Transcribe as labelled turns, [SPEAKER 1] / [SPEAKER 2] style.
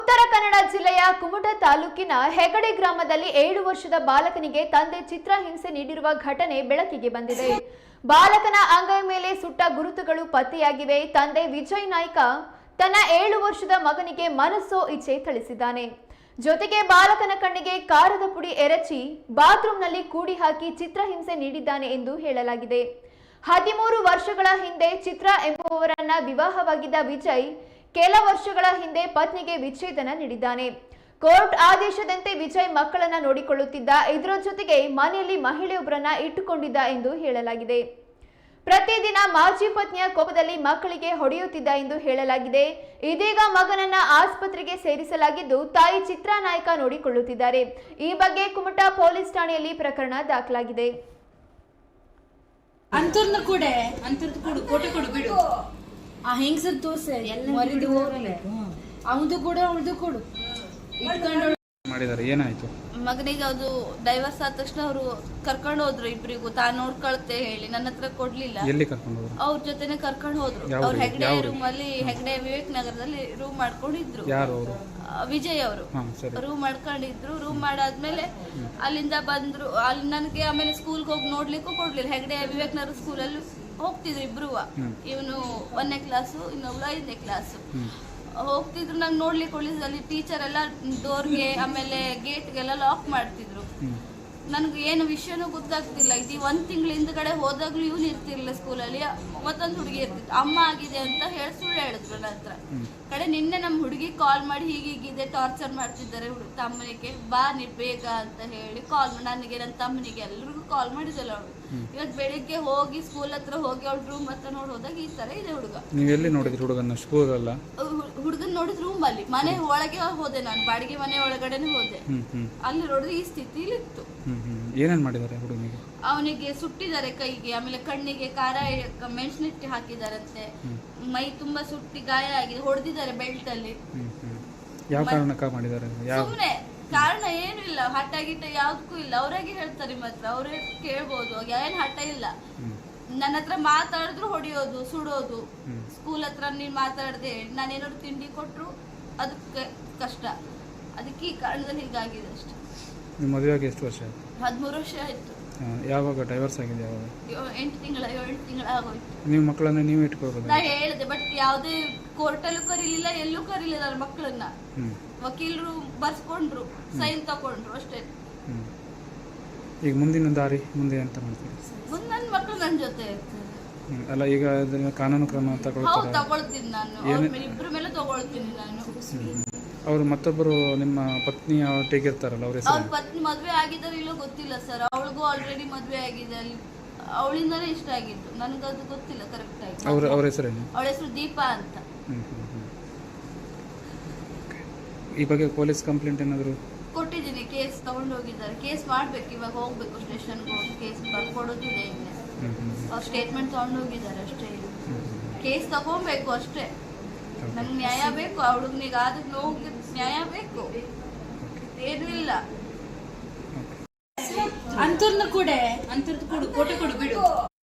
[SPEAKER 1] ಉತ್ತರ ಕನ್ನಡ ಜಿಲ್ಲೆಯ ಕುಮಟಾ ತಾಲೂಕಿನ ಹೆಗಡೆ ಗ್ರಾಮದಲ್ಲಿ 7 ವರ್ಷದ ಬಾಲಕನಿಗೆ ತಂದೆ ಚಿತ್ರಹಿಂಸೆ ನೀಡಿರುವ ಘಟನೆ ಬೆಳಕಿಗೆ ಬಂದಿದೆ. ಬಾಲಕನ ಅಂಗೈ ಮೇಲೆ ಸುಟ್ಟ ಗುರುತುಗಳು ಪತ್ತೆಯಾಗಿವೆ. ತಂದೆ ವಿಜಯ್ ನಾಯ್ಕ ತನ್ನ 7 ವರ್ಷದ ಮಗನಿಗೆ ಮನಸ್ಸೋ ಇಚ್ಛೆ ಥಳಿಸಿದ್ದಾನೆ. ಜೊತೆಗೆ ಬಾಲಕನ ಕಣ್ಣಿಗೆ ಕಾರದ ಪುಡಿ ಎರಚಿ ಬಾತ್ರೂಮ್ನಲ್ಲಿ ಕೂಡಿ ಹಾಕಿ ಚಿತ್ರಹಿಂಸೆ ನೀಡಿದ್ದಾನೆ ಎಂದು ಹೇಳಲಾಗಿದೆ. 13 ವರ್ಷಗಳ ಹಿಂದೆ ಚಿತ್ರ ಎಂಬುವವರನ್ನ ವಿವಾಹವಾಗಿದ್ದ ವಿಜಯ್ ಕೆಲ ವರ್ಷಗಳ ಹಿಂದೆ ಪತ್ನಿಗೆ ವಿಚ್ಛೇದನ ನೀಡಿದ್ದಾನೆ. ಕೋರ್ಟ್ ಆದೇಶದಂತೆ ವಿಜಯ್ ಮಕ್ಕಳನ್ನ ನೋಡಿಕೊಳ್ಳುತ್ತಿದ್ದ. ಇದರ ಜೊತೆಗೆ ಮನೆಯಲ್ಲಿ ಮಹಿಳೆಯೊಬ್ಬರನ್ನ ಇಟ್ಟುಕೊಂಡಿದ್ದ ಎಂದು ಹೇಳಲಾಗಿದೆ. ಪ್ರತಿದಿನ ಮಾಜಿ ಪತ್ನಿಯ ಕೋಪದಲ್ಲಿ ಮಕ್ಕಳಿಗೆ ಹೊಡೆಯುತ್ತಿದ್ದ ಎಂದು ಹೇಳಲಾಗಿದೆ. ಇದೀಗ ಮಗನನ್ನ ಆಸ್ಪತ್ರೆಗೆ ಸೇರಿಸಲಾಗಿದ್ದು ತಾಯಿ ಚಿತ್ರಾ ನಾಯ್ಕ ನೋಡಿಕೊಳ್ಳುತ್ತಿದ್ದಾರೆ. ಈ ಬಗ್ಗೆ ಕುಮಟಾ ಪೊಲೀಸ್ ಠಾಣೆಯಲ್ಲಿ ಪ್ರಕರಣ ದಾಖಲಾಗಿದೆ.
[SPEAKER 2] ಅಂತರ್ನ ಕೊಡೆ ಅಂತರ್ದು ಕೊಡು ಕೋಟೆ ಕೊಡು ಬಿಡು ಆ ಹೆಂಗಸದ್ ತೋರ್ಸೆ ಮರಿದು ಹೋಗ್ಲಿ ಅವದು ಕೂಡ ಅವಳದು ಕೊಡು ಇಟ್ಕೊಂಡು
[SPEAKER 3] ಮಾಡಿದಾರೆ. ಏನಾಯ್ತು?
[SPEAKER 4] ಮಗನಿಗೆ ಅದು ಡೈವರ್ಸ್ ಆದ ತಕ್ಷಣ ಅವರು ಕರ್ಕೊಂಡು ಹೋದ್ರು. ಇಬ್ಬರಿಗೂ ತಾನು ನೋಡ್ಕೊಳ್ತೆ ಹೇಳಿ ನನ್ನ ಹತ್ರ ಕೊಡ್ಲಿಲ್ಲ.
[SPEAKER 3] ಎಲ್ಲಿ ಕರ್ಕೊಂಡು ಹೋದ್ರು?
[SPEAKER 4] ಅವ್ರ ಜೊತೆನೆ ಕರ್ಕೊಂಡು ಹೋದ್ರು. ಅವ್ರ ಹೆಗ್ಡೆ ರೂಮ್ ಅಲ್ಲಿ ಹೆಗ್ಡೆ ವಿವೇಕ್ ನಗರದಲ್ಲಿ ರೂಮ್ ಮಾಡ್ಕೊಂಡಿದ್ರು.
[SPEAKER 3] ಯಾರು ಅವರು?
[SPEAKER 4] ವಿಜಯ್ ಅವರು ರೂಮ್ ಮಾಡ್ಕೊಂಡಿದ್ರು. ರೂಮ್ ಮಾಡಾದ್ಮೇಲೆ ಅಲ್ಲಿಂದ ಬಂದ್ರು. ಅಲ್ಲಿ ನನಗೆ ಆಮೇಲೆ ಸ್ಕೂಲ್ಗೆ ಹೋಗಿ ನೋಡ್ಲಿಕ್ಕೂ ಕೊಡ್ಲಿಲ್ಲ. ಹೆಗ್ಡೆ ವಿವೇಕ್ ನಗರ ಸ್ಕೂಲಲ್ಲಿ ಹೋಗ್ತಿದ್ರು ಇಬ್ರು. ಇವನು 1ನೇ ಕ್ಲಾಸು, ಇನ್ನೊಬ್ಳು 5ನೇ ಕ್ಲಾಸು. ಹೋಗ್ತಿದ್ರು. ನಂಗೆ ನೋಡ್ಲಿಕ್ಕೆ ಒಳ್ಳೆ ಅಲ್ಲಿ ಟೀಚರ್ ಎಲ್ಲ ಡೋರ್ಗೆ ಆಮೇಲೆ ಗೇಟ್ಗೆಲ್ಲ ಲಾಕ್ ಮಾಡ್ತಿದ್ರು. ನನ್ಗೆ ಏನು ವಿಷಯನೂ ಗೊತ್ತಾಗ್ತಿಲ್ಲ. ಇದು 1 ತಿಂಗಳ ಹಿಂದ್ಗಡೆ ಹೋದಾಗ್ಲೂ ಇವನು ಇರ್ತಿರ್ಲಿಲ್ಲ ಸ್ಕೂಲಲ್ಲಿ. ಮತ್ತೊಂದು ಹುಡುಗಿ ಇರ್ತಿತ್ತು. ಅಮ್ಮ ಆಗಿದೆ ಅಂತ ಹೇಳಿ ಸುಳ್ಳು ಹೇಳಿದ್ರು ನನ್ನ ಹತ್ರ. ಕಡೆ ನಿನ್ನೆ ನಮ್ಮ ಹುಡುಗಿ ಕಾಲ್ ಮಾಡಿ ಹೀಗಿದೆ ಟಾರ್ಚರ್ ಮಾಡ್ತಿದ್ದಾರೆ ತಮ್ಮನಿಗೆ, ಬಾ ನೀ ಬೇಗ ಅಂತ ಹೇಳಿ ಕಾಲ್ ಮಾಡಿ ನನಗೆ ನನ್ನ ತಮ್ಮನಿಗೆ ಎಲ್ರಿಗೂ ಕಾಲ್ ಮಾಡಿದಲ್ಲ ಅವಳು. ಇವತ್ತು ಬೆಳಿಗ್ಗೆ ಹೋಗಿ ಸ್ಕೂಲ್ ಹತ್ರ ಹೋಗಿ ಅವಳ ರೂಮ್ ಹತ್ರ ನೋಡಿ ಹೋದಾಗ ಈ ತರ ಇದೆ ಹುಡುಗ.
[SPEAKER 3] ನೀವು ಎಲ್ಲಿ ನೋಡಿದ್ರಿ ಹುಡುಗನ? ಸ್ಕೂಲ್ ಅಲ್ಲ,
[SPEAKER 4] ಹುಡುಗನ್ ನೋಡಿದ್ ರೂಮ್ ಅಲ್ಲಿ. ಮನೆ ಒಳಗೆ ಹೋದೆ ನಾನು, ಬಾಡಿಗೆ ಮನೆ ಒಳಗಡೆನೆ ಹೋದೆ. ಅಲ್ಲಿ ನೋಡಿದ್ರೆ ಈ ಸ್ಥಿತಿಲಿ ಇತ್ತು.
[SPEAKER 3] ಏನೇನ್ ಮಾಡಿದ್ದಾರೆ ಹುಡುಗನಿಗೆ?
[SPEAKER 4] ಅವನಿಗೆ ಸುಟ್ಟಿದ್ದಾರೆ ಕೈಗೆ, ಆಮೇಲೆ ಕಣ್ಣಿಗೆ ಖಾರ ಮೆಣಸಿನಿಟ್ಟು ಹಾಕಿದಾರಂತೆ. ಮೈ ತುಂಬಾ ಸುಟ್ಟಿ ಗಾಯ ಆಗಿದೆ. ಹೊಡೆದಿದ್ದಾರೆ ಬೆಲ್ಟ್ ಅಲ್ಲಿ.
[SPEAKER 3] ಯಾವ ಕಾರಣಕ್ಕ ಮಾಡಿದ್ದಾರೆ?
[SPEAKER 4] ಸುಮ್ನೆ ಕಾರಣ ಏನು ಇಲ್ಲ. ಹಠ ಗಿಟ್ಟ ಯಾವ್ದಕ್ಕೂ ಇಲ್ಲ. ಅವ್ರಾಗೆ ಹೇಳ್ತಾರೆ ನಿಮ್ಮ ಹತ್ರ, ಅವ್ರೇ ಕೇಳ್ಬೋದು. ಏನ್ ಹಠ ಇಲ್ಲ. ನನ್ನ ಹತ್ರ ಮಾತಾಡಿದ್ರು ಹೊಡಿಯೋದು, ಸುಡೋದು. ಸ್ಕೂಲ್ ಹತ್ರ ನೀನ್ ಮಾತಾಡದೆ ನಾನೇನಾದ್ರು ತಿಂಡಿ ಕೊಟ್ರು ಅದಕ್ಕೆ ಕಷ್ಟ. ಅದಕ್ಕೆ ಈ ಕಾರಣದಲ್ಲಿ ಹೀಗಾಗಿದೆ ಅಷ್ಟೇ.
[SPEAKER 3] ನಿಮ್ಮ ಮದುವೆಯಾಗಿ ಎಷ್ಟು ವರ್ಷ ಆಯ್ತು?
[SPEAKER 4] 13 ವರ್ಷ ಆಯ್ತು.
[SPEAKER 3] ಯಾವಾಗ ಡೈವರ್ಸ್ ಆಗಿದೆ? ಯಾವಾಗ?
[SPEAKER 4] 7 ತಿಂಗಳ ಆಗೋಯ್ತು.
[SPEAKER 3] ನೀವು ಮಕ್ಕಳನ್ನ ನೀವು ಇಟ್ಕೋಬಹುದು?
[SPEAKER 4] ನಾ ಹೇಳಿದೆ, ಬಟ್ ಯಾವುದೇ ಕೋರ್ಟಲ್ಲೂ ಕರೀಲಿಲ್ಲ, ಎಲ್ಲೂ ಕರೀಲಿಲ್ಲ ನನ್ನ ಮಕ್ಕಳನ್ನ. ವಕೀಲರು ಬರ್ಸ್ಕೊಂಡ್ರು, ಸೈನ್ ತಕೊಂಡ್ರು ಅಷ್ಟೇ.
[SPEAKER 3] ಈಗ ಮುಂದಿನ ದಾರಿ ಮುಂದೆ ಅಂತ ಮಾಡ್ತೀವಿ?
[SPEAKER 4] ಮುಂದೆ ನನ್ನ ಮಕ್ಕಳು ನನ್ನ ಜೊತೆ ಇರ್ತಾರೆ.
[SPEAKER 3] ಅಲ್ಲ, ಈಗ ಕಾನೂನು ಕ್ರಮ
[SPEAKER 4] ತಗೊಳ್ತೀನಿ ನಾನು. ಇಬ್ರ ಮೇಲೆ ತಗೊಳ್ತೀನಿ ನಾನು.
[SPEAKER 3] ಅವ್ರು ಮತ್ತೊಬ್ಬರು ನಿಮ್ಮ ಪತ್ನಿ ಒಟ್ಟಿಗೆ ಇರ್ತಾರಲ್ಲ, ಅವ್ರ
[SPEAKER 4] ಪತ್ನಿ ಮದ್ವೆ ಆಗಿದ್ದಾರೆ ಇಲ್ಲೋ ಗೊತ್ತಿಲ್ಲ ಸರ್. ಅವಳಿಗೂ ಆಲ್ರೆಡಿ ಮದ್ವೆ ಆಗಿದೆ. ಅಲ್ಲಿ ಅವಳಿಂದಾನೇ ಇಷ್ಟ ಆಗಿತ್ತು. ನನ್ಗದು ಗೊತ್ತಿಲ್ಲ ಕರೆಕ್ಟ್ ಆಗಿ.
[SPEAKER 3] ಅವ್ರ ಹೆಸರೇನು?
[SPEAKER 4] ಅವಳ ಹೆಸರು ದೀಪಾ ಅಂತ.
[SPEAKER 3] ಈ ಬಗ್ಗೆ ಪೊಲೀಸ್ ಕಂಪ್ಲೇಂಟ್ ಏನಾದ್ರು
[SPEAKER 4] ಕೊಟ್ಟಿದ್ದೀನಿ. ಕೇಸ್ ತಗೊಂಡೋಗಿದ್ದಾರೆ. ಕೇಸ್ ಮಾಡ್ಬೇಕು. ಇವಾಗ ಹೋಗ್ಬೇಕು ಸ್ಟೇಷನ್ಗೆ ಹೋಗಿ ಕೇಸ್ ಬರ್ಕೊಡೋದಿದೆ. ಇನ್ನೇ ಅವ್ರು ಸ್ಟೇಟ್ಮೆಂಟ್ ತಗೊಂಡೋಗಿದ್ದಾರೆ ಅಷ್ಟೇ. ಕೇಸ್ ತಗೊಬೇಕು ಅಷ್ಟೇ. ನಂಗೆ ನ್ಯಾಯ ಬೇಕು. ಆ ಹುಡುಗನಿಗೆ ಆದ ನೋವು ನ್ಯಾಯ ಬೇಕು. ಏನೂ ಇಲ್ಲ.
[SPEAKER 2] ಅಂತರ್ನ ಕೊಡೆ ಅಂತರ್ದು ಕೊಡು ಕೋಟೆ ಕೊಡು ಬಿಡು.